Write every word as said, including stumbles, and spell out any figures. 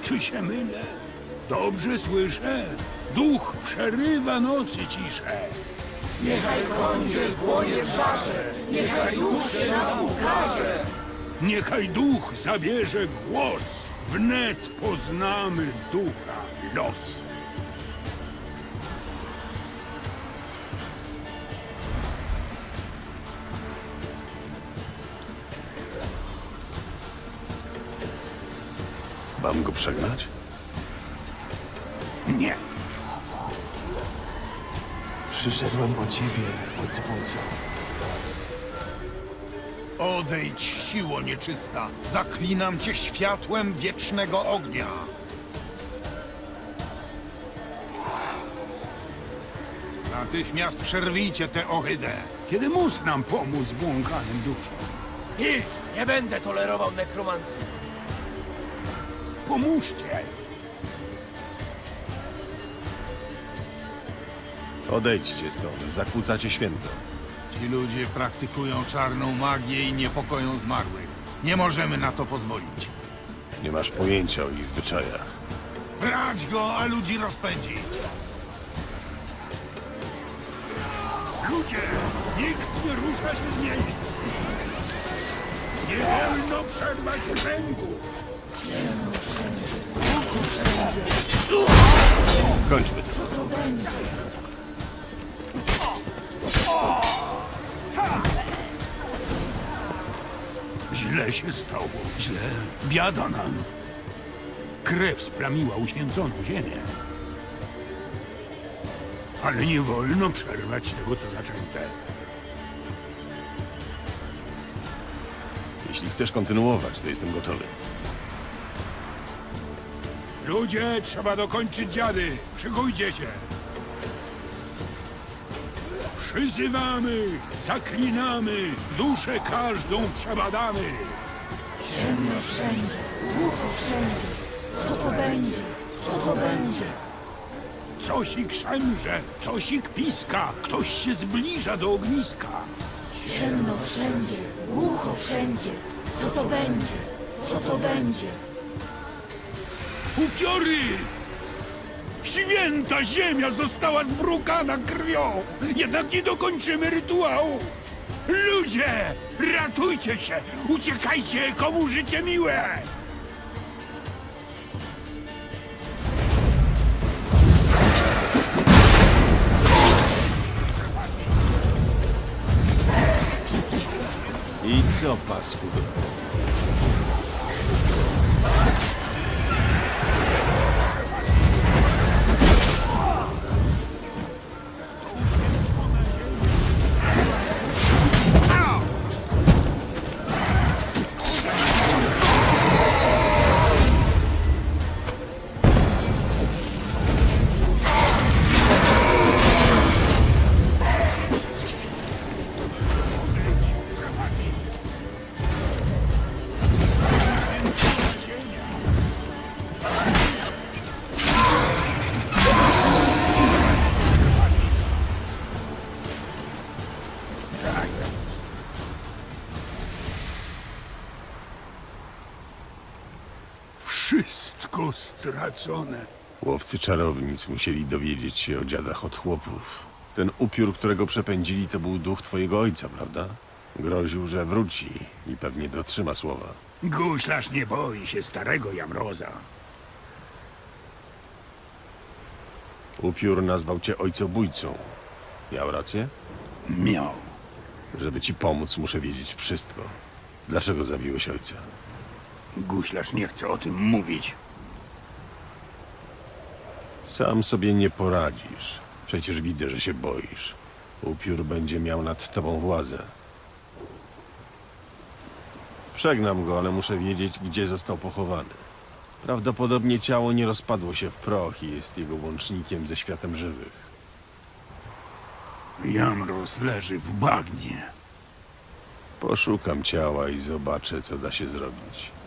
Czy się mylę? Dobrze słyszę. Duch przerywa nocy ciszę. Niechaj kądziel płonie w żarze, niechaj duch się nam ukaże. Niechaj duch zabierze głos. Wnet poznamy ducha los. Mam go przegnać? Nie. Przyszedłem po ciebie, ojcu Półcu. Odejdź, siło nieczysta! Zaklinam cię światłem wiecznego ognia! Natychmiast przerwijcie tę ohydę! Kiedy mus nam pomóc błąkanym duszom? Idź, nie będę tolerował nekromancji. Pomóżcie. Odejdźcie stąd, zakłócacie święto. Ci ludzie praktykują czarną magię i niepokoją zmarłych. Nie możemy na to pozwolić. Nie masz pojęcia o ich zwyczajach. Brać go, a ludzi rozpędzić! Ludzie, nikt nie rusza się z miejsca. Nie wolno przerwać kręgu. Kończmy to. Źle się stało. Źle. Biada nam. Krew splamiła uświęconą ziemię. Ale nie wolno przerwać tego, co zaczęte. Jeśli chcesz kontynuować, to jestem gotowy. Ludzie, trzeba dokończyć dziady. Szykujcie się. Przyzywamy, zaklinamy, duszę każdą przebadamy. Ciemno wszędzie, głucho wszędzie. Co to będzie? Co to będzie? Cosik szemrze, cosik piska, ktoś się zbliża do ogniska. Ciemno wszędzie, głucho wszędzie. Co to będzie? Co to będzie? Upiory! Święta ziemia została zbrukana krwią, jednak nie dokończymy rytuału. Ludzie, ratujcie się, uciekajcie, komu życie miłe! I co, paskudo? Wszystko stracone. Łowcy czarownic musieli dowiedzieć się o dziadach od chłopów. Ten upiór, którego przepędzili, to był duch twojego ojca, prawda? Groził, że wróci i pewnie dotrzyma słowa. Guślarz nie boi się starego Jamroza. Upiór nazwał cię ojcobójcą. Miał rację? Miał. Żeby ci pomóc, muszę wiedzieć wszystko. Dlaczego zabiłeś ojca? Guślarz nie chce o tym mówić. Sam sobie nie poradzisz. Przecież widzę, że się boisz. Upiór będzie miał nad tobą władzę. Przegnam go, ale muszę wiedzieć, gdzie został pochowany. Prawdopodobnie ciało nie rozpadło się w proch i jest jego łącznikiem ze światem żywych. Jamroz leży w bagnie. Poszukam ciała i zobaczę, co da się zrobić.